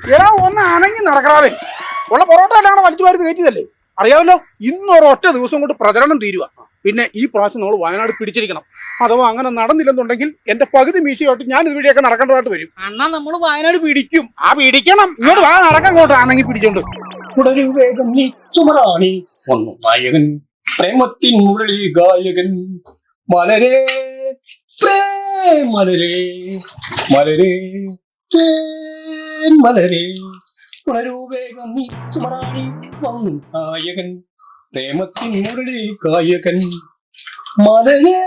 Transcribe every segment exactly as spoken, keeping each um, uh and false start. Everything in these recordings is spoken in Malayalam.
എടാ ഒന്ന് അനങ്ങി നടക്കണാവേ. ഉള്ള പൊറോട്ട എല്ലാം വലിച്ചു വാരി കയറ്റിയതല്ലേ, അറിയാമല്ലോ. ഇന്നൊരു ഒറ്റ ദിവസം കൊണ്ട് പ്രചരണം തീരുക. പിന്നെ ഈ പ്രാവശ്യം നമ്മൾ വയനാട് പിടിച്ചിരിക്കണം. അഥവാ അങ്ങനെ നടന്നില്ലെന്നുണ്ടെങ്കിൽ എന്റെ പകുതി മീശയോട്ട് ഞാൻ ഇതുവഴിയൊക്കെ നടക്കേണ്ടതായിട്ട് വരും. അണ്ണാ നമ്മള് വയനാട് പിടിക്കും. ആ പിടിക്കണം. ഇങ്ങോട്ട് വാ, നടക്കാൻ ഇങ്ങോട്ട് ആണെങ്കിൽ പിടിച്ചോണ്ട് വേഗം നീ സുമറാണി വന്നു നായകൻ പ്രേമത്തിൻ മുരളി ഗായകൻ മലരേ മലരേ മലരേ മലരേ ഉണരൂ വേഗം നീ സുമറാണി വന്നു നായകൻ പ്രേമത്തിൻ മുരളി ഗായകൻ മലരേ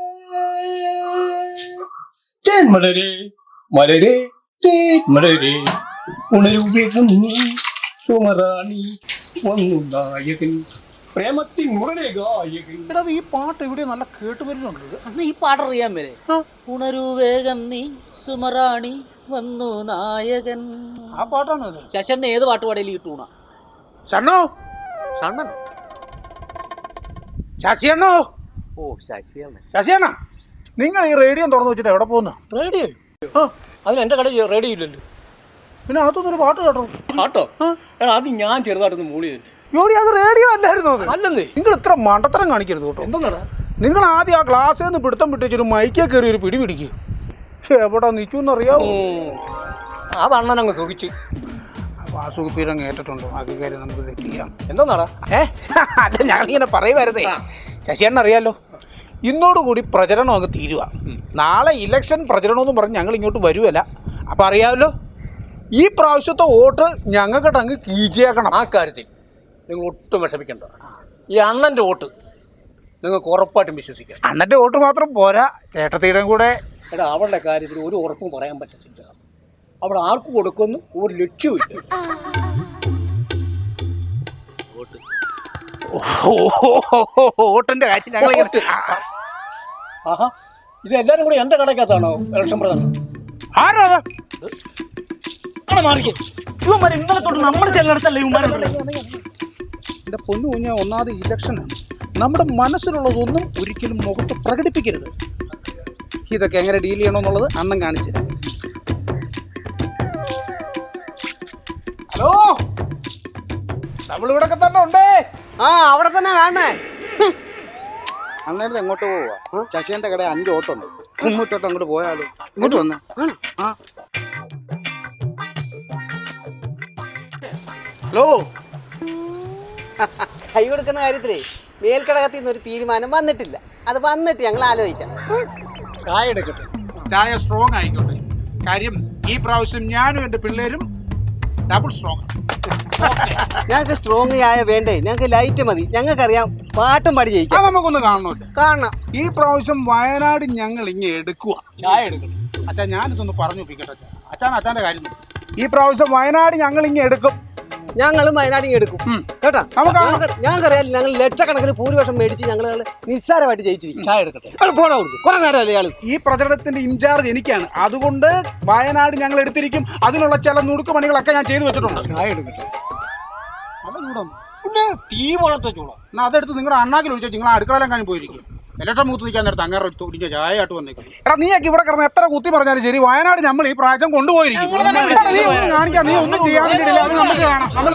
തേൻ മലരേ മലരേ തേൻ മലരേ ഉണരൂ വേഗം നീ സുമറാണി വന്നു നായകൻ പ്രേമത്തിൻ മുരളി ഗായകൻ. എടാ ഈ പാട്ട് ഇവിടെ നല്ല കേട്ട് വരുന്നുണ്ട്. അന്ന് ഈ പാട്ടറിയാൻ വരെ ഉണരൂ വേഗം നീ സുമറാണി വന്നു നായകൻ. ആ പാട്ടാണ് അത്. ശശന്റെ ഏത് പാട്ട് പാടിയാലും കിട്ടൂണ. ഷണ്ണോ, ഷണ്ണൻ ശശിയണ്ണോ. ഓ ശശിയാണ്. ശശിയണ്ണ, നിങ്ങൾ ഈ റേഡിയോ തുറന്നു വെച്ചിട്ട് എവിടെ പോകുന്നു? റേഡിയോ അതിന് എന്റെ കടയിൽ റേഡിയോ ഇല്ലല്ലോ. പിന്നെ അതൊന്നൊരു പാട്ട് കേട്ടോ. പാട്ടോ? അത് ഞാൻ ചെറുതായിട്ടൊന്ന് മൂളി തന്നെ. ജോഡി അത് റേഡിയോ അല്ലായിരുന്നു. അല്ലെന്നേ. നിങ്ങൾ ഇത്ര മണ്ടത്തരം കാണിക്കരുത് കേട്ടോ. എന്താ നിങ്ങൾ ആദ്യം ആ ഗ്ലാസ്സിൽ നിന്ന് പിടുത്തം പിടിച്ചൊരു മൈക്കേ കയറി ഒരു പിടി പിടിക്കുക. എവിടെ നിൽക്കുമെന്നറിയാവോ? അത് അണ്ണൻ അങ്ങ് സുഖിച്ചു. വാസുകുപ്പീരം കേട്ടിട്ടുണ്ടോ? ആക്കി കാര്യം നമുക്ക് തെറ്റിയാം. എന്താ ഏ അല്ല, ഞങ്ങളിങ്ങനെ പറയുമായിരുന്നേ. ശശിയണ്ണ അറിയാലോ, ഇന്നോടുകൂടി പ്രചരണം അങ്ങ് തീരുക. നാളെ ഇലക്ഷൻ പ്രചരണമെന്ന് പറഞ്ഞ് ഞങ്ങൾ ഇങ്ങോട്ട് വരുമല്ല. അപ്പം അറിയാമല്ലോ, ഈ പ്രാവശ്യത്തെ വോട്ട് ഞങ്ങൾക്കിട്ട് അങ്ങ് കീച്ചേക്കണം. ആ കാര്യത്തിൽ നിങ്ങൾ ഒട്ടും വിഷമിക്കണ്ട. ഈ അണ്ണൻ്റെ വോട്ട് നിങ്ങൾക്ക് ഉറപ്പായിട്ടും വിശ്വസിക്കാം. അണ്ണൻ്റെ വോട്ട് മാത്രം പോരാ, ചേട്ടത്തീരം കൂടെ. എടാ അവളുടെ കാര്യത്തിൽ ഒരു ഉറപ്പും പറയാൻ പറ്റത്തില്ല. അവിടെ ആർക്ക് കൊടുക്കുമെന്ന് ഒരു ലക്ഷ്യമില്ല. വോട്ടിന്റെ കാര്യം ഞങ്ങൾ ആഹാ, ഇത് എല്ലാവരും കൂടി എൻ്റെ കടക്കകത്താണോ ഇലക്ഷൻ പ്രധാനം? ആരാ ഇന്നലെ തൊട്ട് നമ്മൾ ചെല്ലിടത്തല്ലേ എന്റെ പൊന്നു കുഞ്ഞ, ഒന്നാമത് ഇലക്ഷനാണ്. നമ്മുടെ മനസ്സിലുള്ളതൊന്നും ഒരിക്കലും മുഖത്ത് പ്രകടിപ്പിക്കരുത്. ഇതൊക്കെ എങ്ങനെ ഡീൽ ചെയ്യണമെന്നുള്ളത് അണ്ണൻ കാണിച്ചു തരാം. ഹലോ, നമ്മളിവിടൊക്കെ തന്നെ ഉണ്ടേ. ആ അവിടെ തന്നെ കാണണേ. അണ്ണേടത്ത് എങ്ങോട്ട് പോവാ? ശശിന്റെ കട അഞ്ച് ഓട്ടുണ്ട്. ഇങ്ങോട്ടോട്ട് അങ്ങോട്ട് പോയാലോ? ഇങ്ങോട്ട് വന്നേ. ആ ഹലോ, കൈ കൊടുക്കുന്ന കാര്യത്തിലേ മേൽക്കടകത്തിൽ നിന്ന് ഒരു തീരുമാനം വന്നിട്ടില്ല. അത് വന്നിട്ട് ഞങ്ങൾ ആലോചിക്കാം. ചായ എടുക്കട്ടെ. ചായ സ്ട്രോങ് ആയിക്കോട്ടെ. കാര്യം ഈ പ്രാവശ്യം ഞാനും എൻ്റെ പിള്ളേരും ഡബിൾ സ്ട്രോങ്. ഞങ്ങൾക്ക് സ്ട്രോങ് ചായ വേണ്ടേ, ഞങ്ങൾക്ക് ലൈറ്റ് മതി. ഞങ്ങൾക്കറിയാം പാട്ടും പാടി ജയിക്കാം. അത് നമുക്കൊന്ന് കാണണമല്ലോ. കാണണം. ഈ പ്രാവശ്യം വയനാട് ഞങ്ങൾ ഇങ്ങനെ എടുക്കുക. ചായ എടുക്കട്ടെ. അച്ഛാ, ഞാനിതൊന്ന് പറഞ്ഞു ഒപ്പിക്കട്ടെ. അച്ഛാ അച്ഛാൻ അച്ഛൻ്റെ കാര്യം. ഈ പ്രാവശ്യം വയനാട് ഞങ്ങൾ ഇങ്ങനെ എടുക്കും. ഞങ്ങളും വയനാടിങ് എടുക്കും കേട്ടാ. ഞങ്ങൾക്കറിയാം, ഞങ്ങൾ ലക്ഷക്കണക്കിന് ഭൂരിപക്ഷം മേടിച്ച് ഞങ്ങൾ നിസ്സാരമായിട്ട് ജയിച്ചിരിക്കും. ചായ എടുക്കട്ടെ. പോണ കൊടുക്കും കുറെ നേരമല്ലേ ഇയാൾ. ഈ പ്രചരണത്തിന്റെ ഇൻചാർജ് എനിക്കാണ്. അതുകൊണ്ട് വയനാട് ഞങ്ങൾ എടുത്തിരിക്കും. അതിനുള്ള ചില നുടുക്ക് പണികളൊക്കെ ഞാൻ ചെയ്തു വെച്ചിട്ടുണ്ട്. ചായ എടുക്കട്ടെ. അത് ചൂടാണ്. പിന്നെ തീ പോലത്തെ ചൂടാ. എന്നാൽ അതെടുത്ത് നിങ്ങളുടെ അണ്ണാക്കിൽ ഒഴിച്ചാൽ നിങ്ങൾ അടുക്കളയിലെങ്ങാനും പോയിരിക്കും. ഇലക്ഷൻ മൂത്ത് നിൽക്കാൻ നേരത്തെ അങ്ങനെ ഒരിഞ്ഞ ചായ ആയിട്ട് വന്നേക്കും. എടാ, നീയൊക്കെ ഇവിടെ കിടന്ന് എത്ര കുത്തി പറഞ്ഞാലും ശരി, വയനാട് നമ്മൾ ഈ പ്രാവശ്യം കൊണ്ടുപോയിരിക്കും. നീ ഒന്നും കാണിക്കാം, നീ ഒന്നും ചെയ്യാനില്ല. അത് നമുക്ക് കാണാം. നമ്മൾ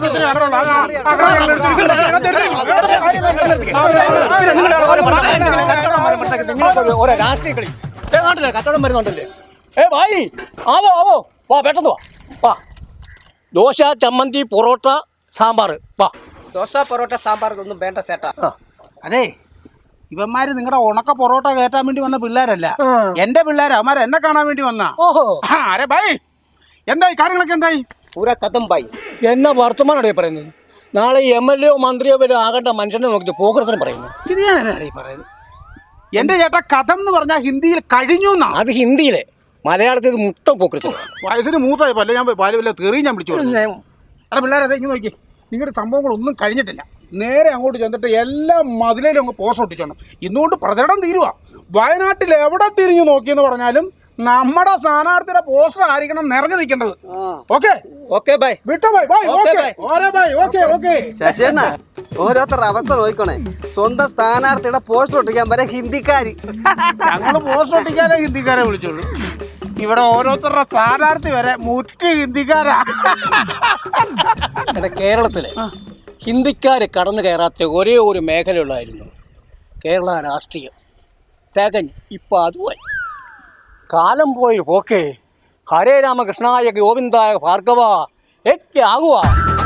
ഓരോ രാഷ്ട്രീയ കളി നാട്ടിലെ കച്ചവടം വരുന്നുണ്ടല്ലേ. ഏ ഭായി, ആവോ ആവോ, വാ പെട്ടെന്ന് വാ. വാ, ദോശ, ചമ്മന്തി, പൊറോട്ട, സാമ്പാർ. വാ. ദോശ, പൊറോട്ട, സാമ്പാർ ഒന്നും വേണ്ട ചേട്ടാ. അതെ, ഇവന്മാര് നിങ്ങളുടെ ഉണക്ക പൊറോട്ട കയറ്റാൻ വേണ്ടി വന്ന പിള്ളേരല്ല, എന്റെ പിള്ളേരാ. അവന്മാർ എന്നെ കാണാൻ വേണ്ടി വന്നാ. ഓഹോ, അരെ ഭായി, എന്തായി കാര്യങ്ങളൊക്കെ? എന്തായി? പൂര കഥം ബായി. എന്നാ വർത്തമാനാണ് പറയുന്നത്? നാളെ എം എൽ എ മന്ത്രിയോ വരെ ആകേണ്ട മനുഷ്യനെ നോക്കി പോക്കരസനം പറയുന്നു. ഇത് ഞാൻ എന്നാണ് പറയുന്നത്? എന്റെ ചേട്ടാ, കഥം എന്ന് പറഞ്ഞാൽ ഹിന്ദിയിൽ കഴിഞ്ഞു എന്നാ. അത് ഹിന്ദിയിലെ, മലയാളത്തിൽ മുട്ട പോക്കരസനം. വയസ്സിന് മൂത്തായപ്പോ അല്ലേ ഞാൻ പാല് വല്ല തെറി ഞാൻ പിടിച്ചു. അല്ല പിള്ളേരെ, അതെ ഇങ്ങനെ നോക്കി, നിങ്ങളുടെ സംഭവങ്ങളൊന്നും കഴിഞ്ഞിട്ടില്ല. നേരെ അങ്ങോട്ട് ചെന്നിട്ട് എല്ലാ മതിലേലും അങ്ങ് പോസ്റ്റ് ഒട്ടിച്ചോണം. ഇന്നുകൊണ്ട് പ്രചരണം തീരുക. വയനാട്ടിൽ എവിടെ തിരിഞ്ഞു നോക്കിയെന്ന് പറഞ്ഞാലും നമ്മുടെ സ്ഥാനാർത്ഥിയുടെ പോസ്റ്റർ ആയിരിക്കണം നിറഞ്ഞു നിൽക്കേണ്ടത്. Okay okay bye. വിട്ടോ ബൈ. ബൈ. Okay okay. ശശിയണ്ണ, ഓരോരുത്തരുടെ അവസ്ഥ നോക്കണേ. സ്വന്തം സ്ഥാനാർത്ഥിയുടെ പോസ്റ്റർ ഒട്ടിക്കാൻ വരെ ഹിന്ദിക്കാരി. ഞങ്ങൾ പോസ്റ്റർ ഒട്ടിക്കാനേ ഹിന്ദിക്കാരെ വിളിച്ചോളൂ. ഇവിടെ ഓരോരുത്തരുടെ സ്ഥാനാർത്ഥി വരെ മുറ്റ് ഹിന്ദിക്കാരാ. എന്റെ കേരളത്തില് ഹിന്ദിക്കാർ കടന്നു കയറാത്ത ഒരേ ഒരു മേഖലയുള്ളായിരുന്നു കേരള രാഷ്ട്രീയം. തികഞ്ഞ് ഇപ്പം അതുമായി കാലം പോയി പോക്കേ. ഹരേ രാമകൃഷ്ണായ ഗോവിന്ദായ ഭാർഗവ ഏക്കെ ആകുക.